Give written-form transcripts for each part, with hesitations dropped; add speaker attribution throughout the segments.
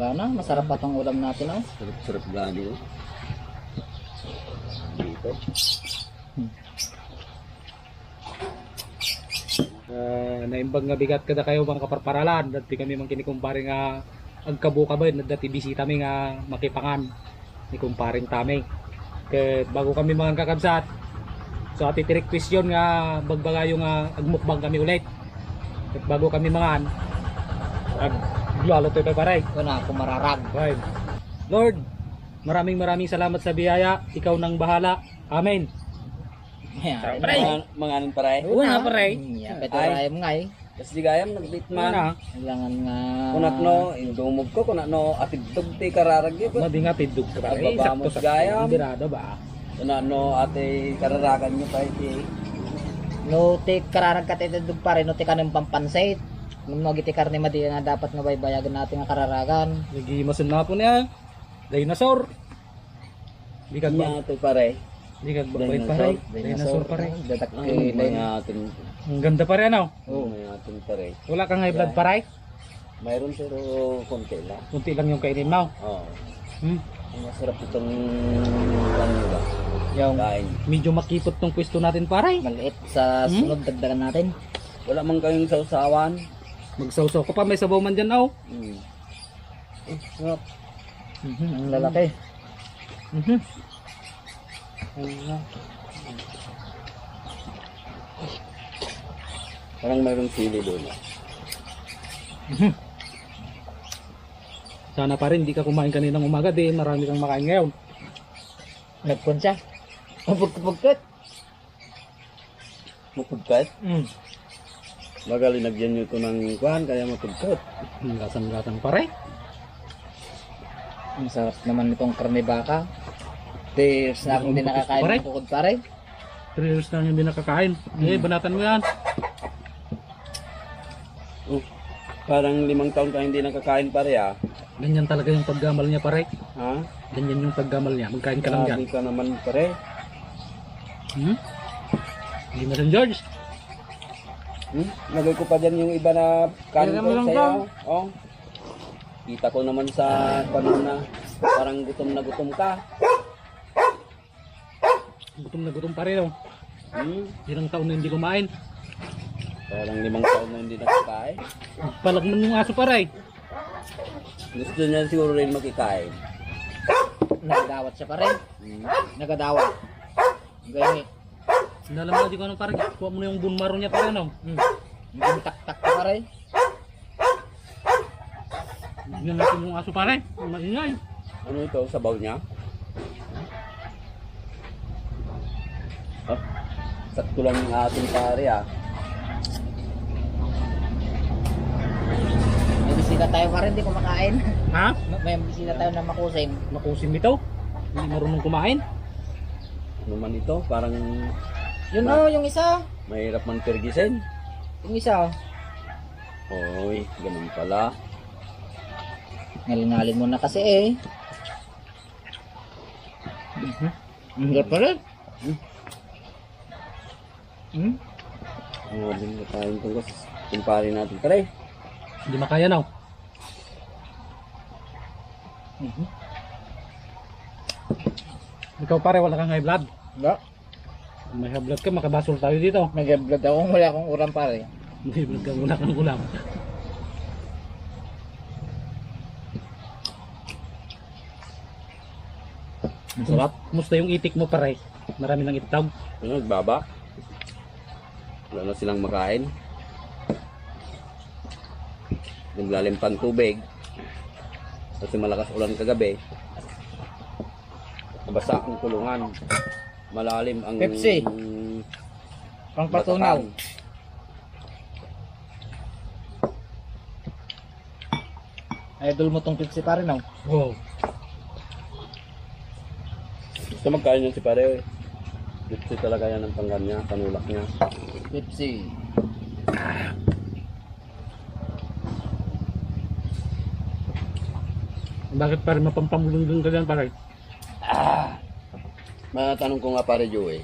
Speaker 1: Gana, masarap pa tong ulam natin, oh.
Speaker 2: Sarap-sarap gani, oh. Dito.
Speaker 3: Naimbag nga bigat kada kayo mga kaparparalan. Dati kami mang kinikumpare nga agkabuka ba yun. Dati bisita mi nga makipangan ni kumparing tami. Kaya bago kami mga kakabsat, so ati request yun nga bagbagayo nga agmukbang kami ulit. At bago kami mangan, aglalo tayo paray.
Speaker 1: Una, ako mararag.
Speaker 3: Right. Lord, maraming salamat sa biyaya. Ikaw nang bahala. Amen.
Speaker 1: Ayan.
Speaker 2: Mga anong paray?
Speaker 3: Una, paray.
Speaker 1: Yeah, beto rayam nga eh.
Speaker 2: Kasi di gayam, nagbitman.
Speaker 3: Mana?
Speaker 1: Kailangan nga...
Speaker 2: Kunat no, indumog ko, kunat no, atidog ti kararagyo.
Speaker 3: Madi nga tidog ka paray.
Speaker 2: Babamos gayam.
Speaker 3: Birado ba?
Speaker 2: Kunat no, ate kararagan nyo pa iti.
Speaker 1: No, ti kararag ka titidog pa rin, no, ti kanang pampansit. Nung nagiti karne madi nga dapat nga baybayagan natin nga kararagan.
Speaker 3: Nagimasan na po niya. Dinosaur. Di ka ba?
Speaker 2: Nya ito pare.
Speaker 3: Di ka ba paray? Dinosaur paray.
Speaker 1: Datak
Speaker 2: Ang
Speaker 1: kay
Speaker 2: mga ating,
Speaker 3: Ang ganda pa rin ano?
Speaker 2: mga ating pare.
Speaker 3: Wala kang high blood paray?
Speaker 2: Mayroon pero konti lang.
Speaker 3: Kunti lang yung kainin mo.
Speaker 2: Oo.
Speaker 3: Hmm?
Speaker 2: Ang masarap itong ano ba?
Speaker 1: yung
Speaker 2: Kain.
Speaker 3: Medyo makipot tong pwesto natin paray.
Speaker 1: maliit sa sunod dagdagan natin.
Speaker 2: Wala man kayong sausawan.
Speaker 3: Magsawsaw ko pa, may sabaw man dyan oh.
Speaker 2: Sarap.
Speaker 1: Ang lalaki.
Speaker 2: Parang mayroong sili doon.
Speaker 3: Sana pa rin, di ka kumain kaninang umaga din. Marami kang makain ngayon.
Speaker 1: Nagpun siya. Pagkupagkat.
Speaker 2: Mapudkat.
Speaker 3: Mm.
Speaker 2: Baga linagyan nyo ito ng kuhan, kaya mapudkat.
Speaker 3: Lasang-lasang paray.
Speaker 1: Ang sarap naman nitong karne baka. Tears na akong din nakakain
Speaker 3: Pare?
Speaker 1: ng bukod pare.
Speaker 3: 3 years na hindi nakakain. Eh, banatan mo yan.
Speaker 2: Parang 5 taon ka hindi nakakain pare ah.
Speaker 3: Ganyan talaga yung paggamal niya paray.
Speaker 2: Ha?
Speaker 3: Ganyan yung paggamal niya. Magkain ka lang dyan.
Speaker 2: Grabe ka naman pare.
Speaker 3: Hmm? Hindi mo rin George.
Speaker 2: Lagay ko pa dyan yung iba na kanin
Speaker 3: Kaya mo
Speaker 2: ko
Speaker 3: lang
Speaker 2: sa'yo. Oh. Kita ko naman sa panon na parang gutom ka.
Speaker 3: Gutom na gutom pa rin oh. Ilang taon na hindi kumain.
Speaker 2: Parang 5 taon na hindi nakakain.
Speaker 3: Palag man yung aso paray.
Speaker 2: Gusto niya siguro rin makikain.
Speaker 1: Nagadawat siya pare. Nagadawat. Ganyan.
Speaker 3: Nalam mo di ko anong paray. Kuha mo na yung bunmaro niya paray no.
Speaker 1: Hindi tak-tak ka pare.
Speaker 3: Yan natin yung aso paray. Maingay.
Speaker 2: Ano ito? Sabaw niya? Sakto lang yung ating pare ah.
Speaker 1: May bisita tayo pare, hindi kumakain.
Speaker 3: Ha?
Speaker 1: May bisita tayo na makusim.
Speaker 3: Makusim ito. Hindi marunong kumain.
Speaker 2: Ano man ito? Parang
Speaker 1: Yun oh, yung isa.
Speaker 2: mahirap man pergisin.
Speaker 1: Yung isa.
Speaker 2: Oy, ganun pala.
Speaker 1: Ngalingalin mo na kasi eh. Ang hirap pare.
Speaker 2: Mga din na tayong tungkos. Kumpare natin pare.
Speaker 3: Hindi makaya no. Ikaw pare wala kang high blood.
Speaker 1: Wala.
Speaker 3: May high blood ka makabasol tayo dito.
Speaker 1: Nag-vlog ako kung wala akong uram pare.
Speaker 3: May high blood ka wala kang ulam. Ang sarap. Kumusta yung itik mo pare? Marami ng itlog.
Speaker 2: Ano, nagbaba? Wala na silang makain. Naglalim pang tubig. Kasi malakas ulan kagabi. Nabasa ang kulungan. Malalim ang
Speaker 1: Pepsi. Pang patunaw.
Speaker 2: batakan.
Speaker 1: Idol mo tong Pepsi pare no?
Speaker 3: Wow.
Speaker 2: Gusto magkain yun si pare. Gusto talaga yan ang panggan niya, panulak niya.
Speaker 1: Pepsi.
Speaker 3: Bakit pare mapampamulong ka dyan pare?
Speaker 2: Matanong ko nga pare Joey.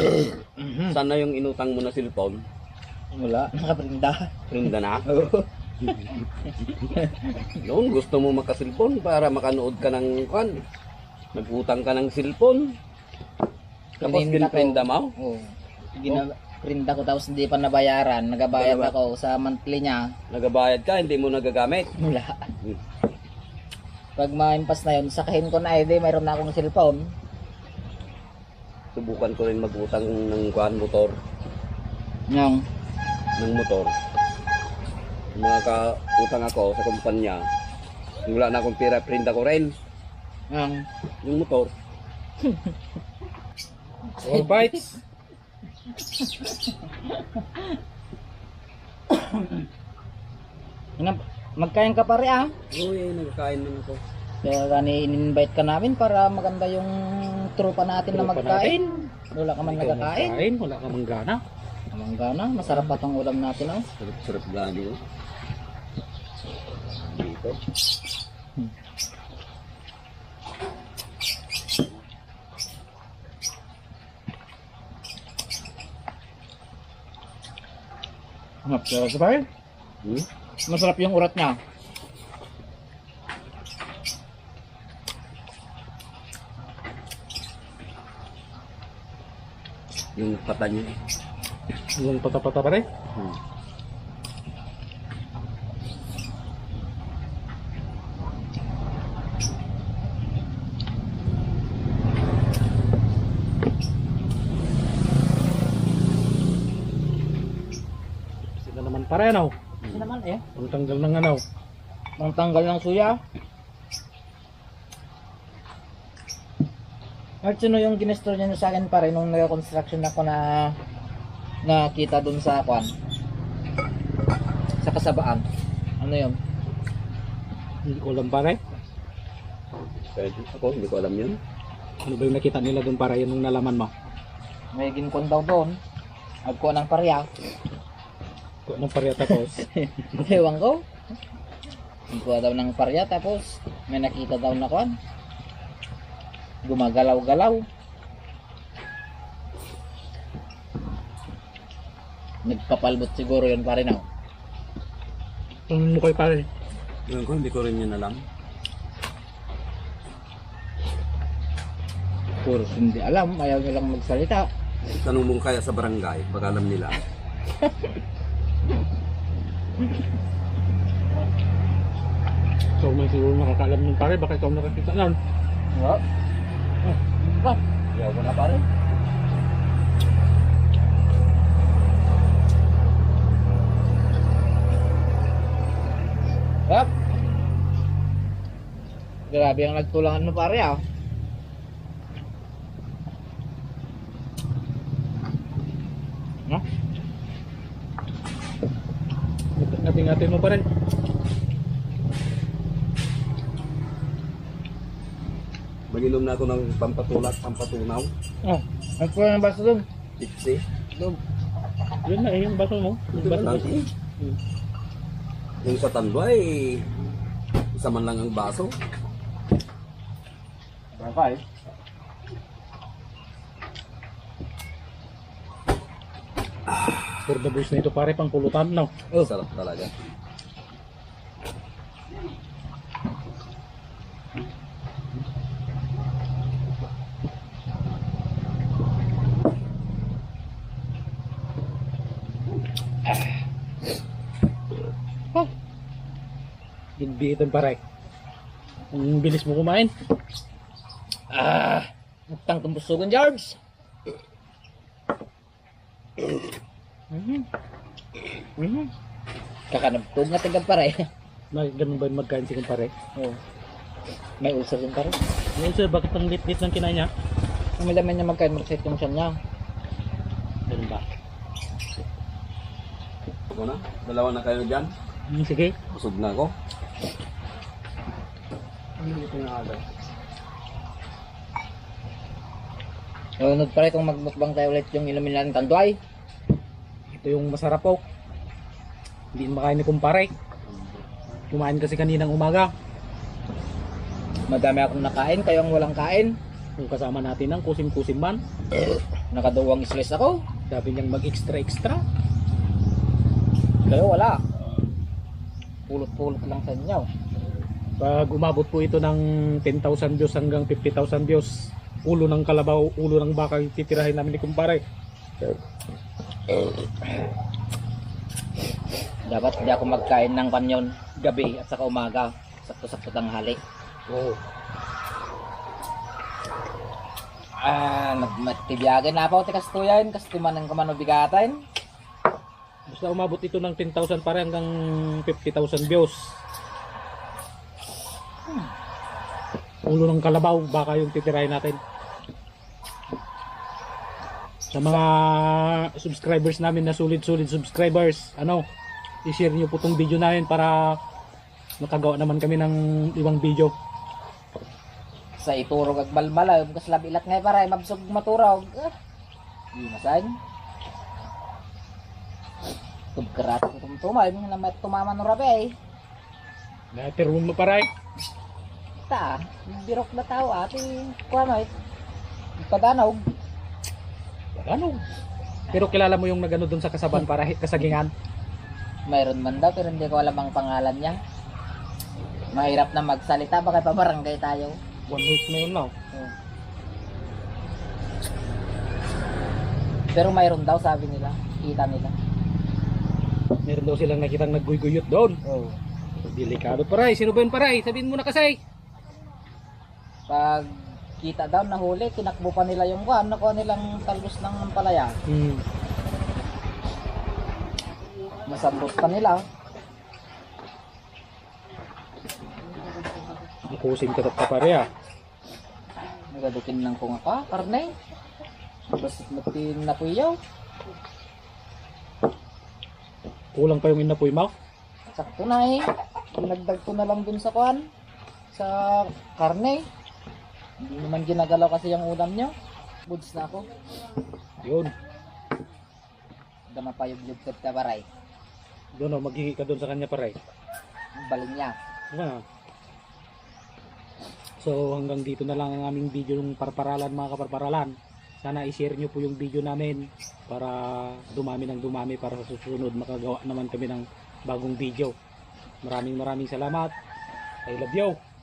Speaker 2: Sana yung inutang mo na cellphone?
Speaker 1: Wala. Nakaprinda.
Speaker 2: Rinda na? Noon gusto mo makasilpon para makanood ka ng kwan. Nagutang ka ng silpon. Tapos
Speaker 1: Pininda ko.
Speaker 2: pinprinda mo.
Speaker 1: Oo. Prinda ko tapos hindi pa nabayaran. Nagabayad
Speaker 2: Dalawa.
Speaker 1: ako sa monthly niya.
Speaker 2: Nagabayad ka, hindi mo nagagamit.
Speaker 1: Wala.
Speaker 2: Hmm.
Speaker 1: Pag maimpas na yun, sakahin ko na mayroon na akong cellphone.
Speaker 2: Subukan ko rin magutang ng kwan motor.
Speaker 1: Yung,
Speaker 2: Ng motor. Mga kautang ako sa kumpanya. Wala na akong pera, prinda ko rin. Yung motor.
Speaker 3: All bites.
Speaker 1: magkain ka pare ah.
Speaker 2: Uy, nagkakain naman ako.
Speaker 1: Kaya gani in-invite ka namin para maganda yung tropa natin na
Speaker 3: Tropa
Speaker 1: magkain. Wala ka man
Speaker 3: Ikaw
Speaker 1: nagkakain.
Speaker 3: magkain, wala ka mang gana.
Speaker 1: Amangga na, masarap pa tong ulam natin oh.
Speaker 2: Sarap-sarap gani oh. Dito.
Speaker 1: Masarap ka pare.
Speaker 2: Hmm?
Speaker 1: Masarap yung urat niya.
Speaker 2: Yung pata niya.
Speaker 3: Yung pata-pata pare.
Speaker 2: Hmm.
Speaker 3: Sila naman pare ano.
Speaker 1: Kasi naman eh.
Speaker 3: Ang tanggal ng ano.
Speaker 1: Ang tanggal ng suya. At sino yung ginestor niya sa akin pare nung nag-construction ako na nakita dun sa kwan? Sa kasabaan. Ano yun?
Speaker 3: Hindi ko alam pare.
Speaker 2: Pwede ako, hindi ko alam yun.
Speaker 3: Ano ba yung nakita nila doon pare yun nung nalaman mo?
Speaker 1: May ginkon daw doon. Agko ng parya.
Speaker 3: Kung anong pare tapos.
Speaker 1: Ewan ko. Agko daw ng parya tapos may nakita daw na kwan. Gumagalaw-galaw. Nagpapalbot siguro yun pare na.
Speaker 3: Ang mukhay pare.
Speaker 2: Yun ko, hindi ko rin yun alam.
Speaker 1: Puro hindi alam, ayaw nilang magsalita.
Speaker 2: Tanong mo kaya sa barangay, baka alam nila.
Speaker 3: So may siguro nakakaalam ng pare. Baka ikaw nakakita lang.
Speaker 1: Oo. Ba?
Speaker 2: Yaw ko na pare.
Speaker 1: Hop. Grabe ang nagtulangan mo pare ah. No?
Speaker 3: Ngati-ngati mo pare.
Speaker 2: Mag-inom na ako ng pampatulak, pampatunaw.
Speaker 1: Oh, ang pula ng baso doon.
Speaker 2: Tipsy.
Speaker 1: Doon.
Speaker 3: Yun na eh, yung baso mo. Yung baso mo.
Speaker 2: Yung sa tanduay, isa man lang ang baso.
Speaker 1: Bakay.
Speaker 3: For the boys na ito pare, pang pulutan no.
Speaker 2: Sarap talaga.
Speaker 3: Gigbiitan pare. Ang bilis mo kumain.
Speaker 1: Utang tumbusugan George. Kakanabtog nga tagad pare.
Speaker 3: May ganun ba yung magkain si kumpare?
Speaker 1: Oh. May ulcer din pare.
Speaker 3: Ngayon sir, bakit ang lit-lit ng kinain niya?
Speaker 1: Ang malaman niya magkain magsakit yung siya niya.
Speaker 3: Ganun ba?
Speaker 2: Ako na, dalawa na kayo dyan.
Speaker 3: Sige.
Speaker 2: Busog na ako. Hindi ko na agad.
Speaker 1: Nunod pare kung magmukbang tayo ulit yung inumin natin tanduay.
Speaker 3: Ito yung masarap po. Hindi makain ni kumpare. Kumain kasi kaninang umaga.
Speaker 1: Madami akong nakain, kayo ang walang kain.
Speaker 3: Yung kasama natin ng kusim-kusim man.
Speaker 1: Nakaduwang stress ako.
Speaker 3: Sabi niyang mag-extra-extra.
Speaker 1: Kayo wala. pulot-pulot lang sa inyo.
Speaker 3: Pag umabot po ito ng 10,000 views hanggang 50,000 views, ulo ng kalabaw, ulo ng baka yung titirahin namin ni kumpare.
Speaker 1: Dapat hindi ako magkain ng kanyon gabi at saka umaga. Sakto-sakto tanghali.
Speaker 3: Oo.
Speaker 1: Nagmatibiyagan na ako tikastuyan, kastuman ng kamanobigatin.
Speaker 3: Basta umabot ito ng 10,000 pare hanggang 50,000 views. Ulo ng kalabaw, baka yung titirahin natin. Sa mga subscribers namin na sulit-sulit subscribers, i-share nyo po tong video namin para makagawa naman kami ng ibang video.
Speaker 1: Sa iturog ag balmala, kas labilat ngay para mabsog maturog. Di masan. Tugkarat ko tumtumay na may tumaman no rabe.
Speaker 3: Natirun mo paray.
Speaker 1: Ta, birok na tao ati kuano padanog.
Speaker 3: Ano? Pero kilala mo yung nagano doon sa kasaban para kasagingan?
Speaker 1: Mayroon man daw pero hindi ko alam ang pangalan niya. Mahirap na magsalita baka pabarangay tayo.
Speaker 3: 1 week na yun now.
Speaker 1: Pero mayroon daw sabi nila, kita nila.
Speaker 3: Meron daw silang nakitang nagguyguyot doon.
Speaker 1: Oh.
Speaker 3: Delikado paray. Sino ba yun paray? Sabihin mo na kasi.
Speaker 1: Pag kita daw nahuli, tinakbo pa nila yung kuan, nakuha nilang talbos ng palaya. Masambot pa nila.
Speaker 3: Kusing ka pa pare ah.
Speaker 1: Nagadukin ng kung ako, karne. Basit matin na puyaw.
Speaker 3: Kulang pa yung inapoy mo.
Speaker 1: Sakto na eh. Dinagdag ko na lang dun sa kuan. Sa karne. Hindi naman ginagalaw kasi yung ulam nyo. Buds na ako.
Speaker 3: Yun.
Speaker 1: Dama pa yung lugtot ka baray.
Speaker 3: Doon o, maghihi ka doon sa kanya paray.
Speaker 1: Balin niya.
Speaker 3: Ah. So hanggang dito na lang ang aming video ng parparalan mga kaparparalan. Sana i-share nyo po yung video namin para dumami ng dumami para sa susunod makagawa naman kami ng bagong video. Maraming salamat. I love you.